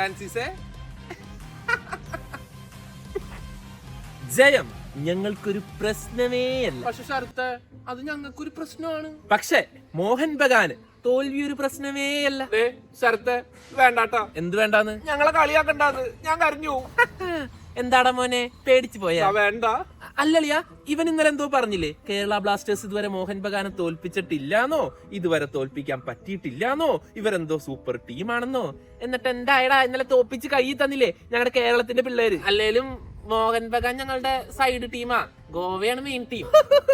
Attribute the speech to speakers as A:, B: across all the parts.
A: ഫ്രാൻസിസേ.
B: ജയം ഞങ്ങൾക്കൊരു പ്രശ്നമേ അല്ല.
A: പക്ഷെ ശരത്തെ, അത് ഞങ്ങൾക്കൊരു പ്രശ്നമാണ്.
B: പക്ഷെ മോഹൻ ബഗാന് തോൽവി ഒരു പ്രശ്നമേ അല്ല.
A: ശരത്തെ വേണ്ടാട്ടാ.
B: എന്ത് വേണ്ടാന്ന്?
A: ഞങ്ങളെ കളിയാക്കണ്ടാന്ന്. ഞാൻ കരഞ്ഞു.
B: എന്താടാ മോനെ, പേടിച്ചു പോയാ?
A: വേണ്ട.
B: അല്ലളിയാ, ഇവൻ ഇന്നലെ എന്തോ പറഞ്ഞില്ലേ, കേരള ബ്ലാസ്റ്റേഴ്സ് ഇതുവരെ മോഹൻ ബഗാനെ തോൽപ്പിച്ചിട്ടില്ലാന്നോ, ഇതുവരെ തോൽപ്പിക്കാൻ പറ്റിയിട്ടില്ലാന്നോ, ഇവരെന്തോ സൂപ്പർ ടീമാണെന്നോ. എന്നിട്ട് എന്തായടാ, ഇന്നലെ തോപ്പിച്ച് കൈ തന്നില്ലേ ഞങ്ങളുടെ കേരളത്തിന്റെ പിള്ളേര്. അല്ലേലും മോഹൻ ബഗാൻ ഞങ്ങളുടെ സൈഡ് ടീമാ, ഗോവയാണ് മെയിൻ ടീം.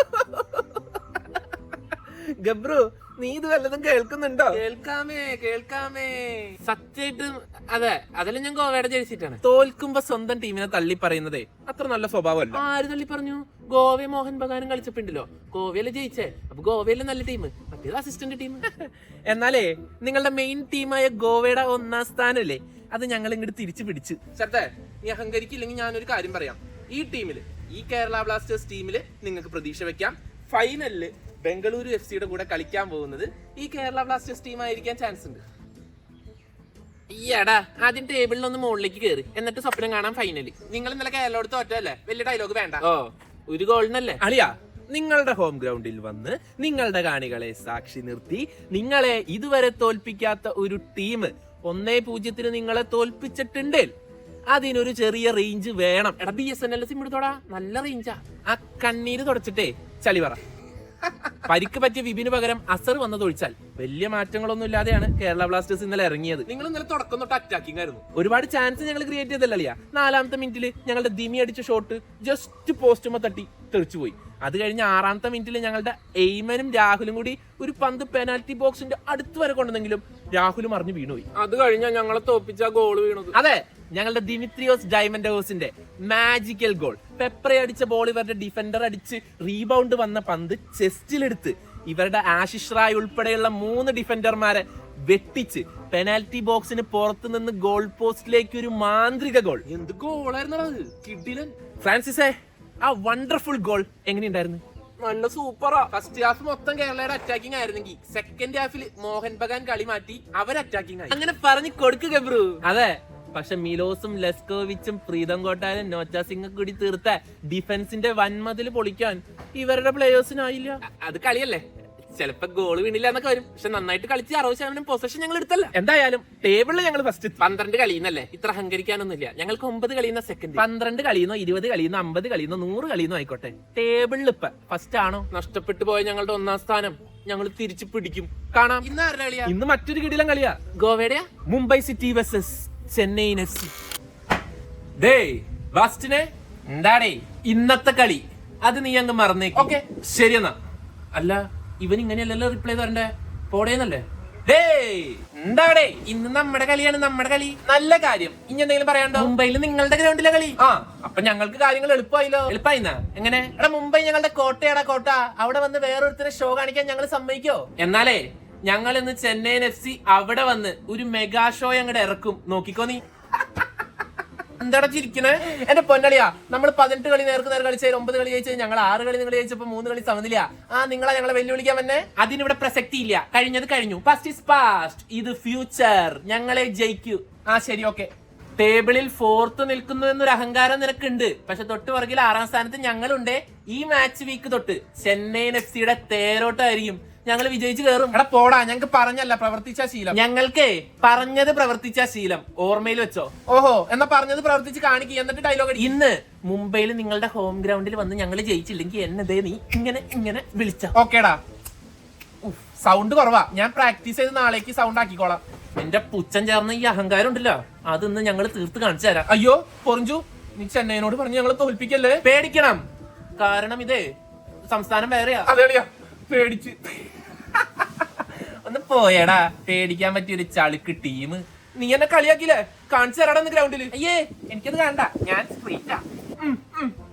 B: ഗബ്രു, നീ ഇത് വല്ലതും കേൾക്കുന്നുണ്ടോ? കേൾക്കാമേ സത്യമായിട്ടും. അതെ, അതിലും ഞാൻ ഗോവയുടെ ജയിച്ചിട്ടാണ്. തോൽക്കുമ്പോ സ്വന്തം ടീമിനെ തള്ളി പറയുന്നതേ അത്ര നല്ല സ്വഭാവമല്ല. ആര് തള്ളി പറഞ്ഞു? ഗോവ മോഹൻ ബഗാനും കളിച്ചപ്പോണ്ടല്ലോ, ഗോവയില് ജയിച്ചേ. അപ്പൊ ഗോവയിലെ നല്ല ടീം, മറ്റേത് അസിസ്റ്റന്റ് ടീം. എന്നാലേ നിങ്ങളുടെ മെയിൻ ടീമായ ഗോവയുടെ 1ാം സ്ഥാനല്ലേ, അത് ഞങ്ങൾ ഇങ്ങോട്ട് തിരിച്ചു പിടിച്ചു.
A: ശരത്തെ, നീ അഹങ്കരിക്കില്ലെങ്കിൽ ഞാനൊരു കാര്യം പറയാം. ഈ ടീമില്, ഈ കേരള ബ്ലാസ്റ്റേഴ്സ് ടീമില് നിങ്ങൾക്ക് പ്രതീക്ഷ വെക്കാം. ഫൈനലില് ബംഗളൂരു FC കൂടെ കളിക്കാൻ പോകുന്നത് ഈ കേരള ബ്ലാസ്റ്റേഴ്സ് ടീം ആയിരിക്കാൻ ചാൻസ് ഉണ്ട്.
B: ഈയടാ, ആദ്യം ടേബിളിലൊന്ന് മുകളിലേക്ക് കയറി, എന്നിട്ട് സ്വപ്നം കാണാൻ ഫൈനല്.
A: നിങ്ങൾ ഇന്നലെ കേരളോട് തോറ്റല്ലേ, വലിയ ഡയലോഗ് വേണ്ട.
B: ഓ, ഒരു ഗോളിനല്ലേ അളിയാ. നിങ്ങളുടെ ഹോം ഗ്രൗണ്ടിൽ വന്ന് നിങ്ങളുടെ കാണികളെ സാക്ഷി നിർത്തി നിങ്ങളെ ഇതുവരെ തോൽപ്പിക്കാത്ത ഒരു ടീം 1-0 നിങ്ങളെ തോൽപ്പിച്ചിട്ടുണ്ട്. അതിനൊരു ചെറിയ റേഞ്ച് വേണം.
A: എടാ, BSNL സിം എടുത്തോടാ, നല്ല റേഞ്ചാ.
B: ആ കണ്ണീര് തുടച്ചിട്ടേ ചളി പറ. പരിക്ക് പറ്റിയ വിപിന് പകരം അസർ വന്നതൊഴിച്ചാൽ വലിയ മാറ്റങ്ങളൊന്നും ഇല്ലാതെയാണ് കേരള ബ്ലാസ്റ്റേഴ്സ് ഇന്നലെ ഇറങ്ങിയത്.
A: നിങ്ങൾ ഇന്നലെ തുടക്കം തൊട്ട് അറ്റാക്കിംഗ് ആയിരുന്നു.
B: ഒരുപാട് ചാൻസ് ഞങ്ങൾ ക്രിയേറ്റ് ചെയ്തല്ലേ. 4ാമത്തെ മിനിറ്റില് ഞങ്ങളുടെ ദിമി അടിച്ച ഷോട്ട് ജസ്റ്റ് പോസ്റ്റുമ തട്ടി തെറിച്ചുപോയി. അത് കഴിഞ്ഞ് 6ാമത്തെ മിനിറ്റിൽ ഞങ്ങളുടെ എയ്മനും രാഹുലും കൂടി ഒരു പന്ത് പെനാൽറ്റി ബോക്സിന്റെ അടുത്ത് വരെ കൊണ്ടെങ്കിലും രാഹുലും അറിഞ്ഞു വീണുപോയി.
A: അത് കഴിഞ്ഞാൽ ഞങ്ങളെ തോപ്പിച്ച ഗോള് വീണത്.
B: അതെ, ഞങ്ങളുടെ ദിമിത്രിയോസ് ഡയമൻഡോസിന്റെ മാജിക്കൽ ഗോൾ. പെപ്പറെ അടിച്ച ബോൾ ഇവരുടെ ഡിഫൻഡർ അടിച്ച് റീബൗണ്ട് വന്ന പന്ത് ചെസ്റ്റിലെടുത്ത് ഇവരുടെ ആശിഷ് റായ് ഉൾപ്പെടെയുള്ള 3 ഡിഫൻഡർമാരെ വെട്ടിച്ച് പെനാൽറ്റി ബോക്സിന് പുറത്തു നിന്ന് ഗോൾ പോസ്റ്റിലേക്ക് ഒരു മാന്ത്രിക ഗോൾ.
A: എന്ത് ഗോളായിരുന്നു കിഡിലൻ.
B: ഫ്രാൻസിസേ, ആ വണ്ടർഫുൾ ഗോൾ എങ്ങനെയുണ്ടായിരുന്നു?
A: നല്ല സൂപ്പറാ. ഫസ്റ്റ് ഹാഫ് മൊത്തം കേരളയുടെ അറ്റാക്കിംഗ് ആയിരുന്നെങ്കിൽ സെക്കൻഡ് ഹാഫിൽ മോഹൻ ബഗാൻ കളി മാറ്റി അവർ അറ്റാക്കിംഗ് ആയി.
B: അങ്ങനെ പറഞ്ഞു കൊടുക്കുക ബ്രൂ. അതെ, പക്ഷെ മിലോസും ലെസ്കോവിച്ചും പ്രീതം കോട്ടാലും നോച്ച സിംഗ് കൂടി തീർത്ത ഡിഫൻസിന്റെ വൻമതിൽ പൊളിക്കാൻ ഇവരുടെ പ്ലേയേഴ്സിനായില്ല.
A: അത് കളിയല്ലേ, ചിലപ്പോ ഗോള് വീണില്ല എന്നൊക്കെ വരും. പക്ഷെ നന്നായിട്ട് കളിച്ച് 60% പൊസിഷൻ ഞങ്ങൾ എടുത്തല്ല.
B: എന്തായാലും ടേബിളിൽ ഞങ്ങൾ ഫസ്റ്റ്.
A: 12 കളിയുന്നല്ലേ, ഇത്ര അഹങ്കരിക്കാനൊന്നുമില്ല. ഞങ്ങൾക്ക് 9 കളിയുന്ന സെക്കൻഡ്.
B: 12 കളിയുന്നോ 20 കളിയുന്നോ 50 കളിയുന്നോ 100 കളിയുന്നോ ആയിക്കോട്ടെ, ടേബിളിൽ ഇപ്പൊ ഫസ്റ്റ് ആണോ?
A: നഷ്ടപ്പെട്ടു പോയ ഞങ്ങളുടെ 1ാം സ്ഥാനം ഞങ്ങൾ തിരിച്ചു പിടിക്കും. കാണാം. ഇന്ന് ആരുടെ കളിയാ?
B: ഇന്ന് മറ്റൊരു കിടിലൻ കളിയാ.
A: ഗോവയുടെയാ?
B: Mumbai City versus Chennaiyin FC. ഡേ ബാസ്റ്റിനെ, എന്താടേ ഇന്നത്തെ കളി? അത് നീ അങ്ങ് മറന്നേക്ക്.
A: ഓക്കെ,
B: ശരിയെന്നാ. അല്ല, ഇവൻ ഇങ്ങനെയല്ലല്ലോ റിപ്ലൈ തരണ്ടേ, പോടേന്നല്ലേ? എന്താടേ,
A: ഇന്ന് നമ്മുടെ കളിയാണ്, നമ്മുടെ കളി.
B: നല്ല കാര്യം. ഇനി എന്തെങ്കിലും പറയാണ്ടോ?
A: മുംബൈയിൽ നിങ്ങളുടെ ഗ്രൗണ്ടിലെ കളി.
B: ആ, അപ്പൊ ഞങ്ങൾക്ക് കാര്യങ്ങൾ എളുപ്പമായില്ലോ.
A: എളുപ്പമായിന്നാ?
B: എങ്ങനെ?
A: എടാ, മുംബൈ ഞങ്ങളുടെ കോട്ടയാടാ കോട്ട. അവിടെ വന്ന് വേറൊരുത്തരെ ഷോ കാണിക്കാൻ ഞങ്ങൾ സമ്മതിക്കോ?
B: എന്നാലേ ഞങ്ങൾ ഇന്ന് ചെന്നൈയിൻ FC അവിടെ വന്ന് ഒരു മെഗാ ഷോ അങ്ങോട്ട് ഇറക്കും. നോക്കിക്കോ നീ.
A: എന്താടാ ചിരിക്കണേ?
B: എന്റെ പൊന്നളിയാ, നമ്മൾ 18 കളി നേർക്ക് നേർ കളിച്ച 9 കളി ജയിച്ചത് ഞങ്ങൾ 6 കളി നിങ്ങൾ ജയിച്ചപ്പോ 3 കളി സമനില. നിങ്ങളെ ഞങ്ങളെ വെല്ലുവിളിക്കാൻ വന്നെ? അതിനിവിടെ പ്രസക്തി ഇല്ല. കഴിഞ്ഞത് കഴിഞ്ഞു. Past is past. ഇത് ഫ്യൂച്ചർ. ഞങ്ങളെ ജയിക്കൂ. ശരി, ഓക്കെ. ടേബിളിൽ 4th നിൽക്കുന്നു എന്നൊരു അഹങ്കാരം നിനക്കുണ്ട്. പക്ഷെ തൊട്ട് പുറകിൽ 6ാം സ്ഥാനത്ത് ഞങ്ങളുണ്ട്. ഈ മാച്ച് വീക്ക് തൊട്ട് ചെന്നൈയിൻ FC തേരോട്ടായിരിക്കും. ഞങ്ങൾ വിജയിച്ച് കയറും.
A: എടാ പോടാ, ഞങ്ങൾക്ക് പറഞ്ഞല്ല പ്രവർത്തിച്ച ശീലം.
B: ഞങ്ങൾക്ക് പറഞ്ഞത് പ്രവർത്തിച്ച ശീലം ഓർമ്മയിൽ വെച്ചോ?
A: ഓഹോ, എന്നാ പറഞ്ഞത് പ്രവർത്തിച്ച് കാണിക്കുക, എന്നിട്ട് ഡയലോഗ്.
B: ഇന്ന് മുംബൈയിൽ നിങ്ങളുടെ ഹോം ഗ്രൗണ്ടിൽ വന്ന് ഞങ്ങൾ ജയിച്ചില്ലെങ്കിൽ എന്നതേ നീ ഇങ്ങനെ വിളിച്ച?
A: ഓക്കേടാ. സൗണ്ട് കുറവാ, ഞാൻ പ്രാക്ടീസ് ചെയ്ത് നാളേക്ക് സൗണ്ട് ആക്കിക്കോളാം.
B: എന്റെ പുച്ഛം ചേർന്ന ഈ അഹങ്കാരം ഉണ്ടല്ലോ, അതൊന്ന് ഞങ്ങൾ തീർത്ത് കാണിച്ചു തരാം.
A: അയ്യോ പൊറിഞ്ചു, നീ ചെന്നൈനോട് പറഞ്ഞ് ഞങ്ങളെ തോൽപ്പിക്കല്ലേ.
B: പേടിക്കണം, കാരണം ഇതേ സംസ്ഥാനം വേറെയാ.
A: അതെളിയാ, പേടിച്ച്.
B: ഒന്ന് പോയടാ, പേടിക്കാൻ പറ്റിയൊരു ചളുക്ക് ടീം.
A: നീ എന്നെ കളിയാക്കില്ലേ? കാണിച്ചു തരാടാ ഗ്രൗണ്ടില്.
B: അയ്യേ, എനിക്കത് കാണണ്ട, ഞാൻ സ്ട്രീറ്റാ.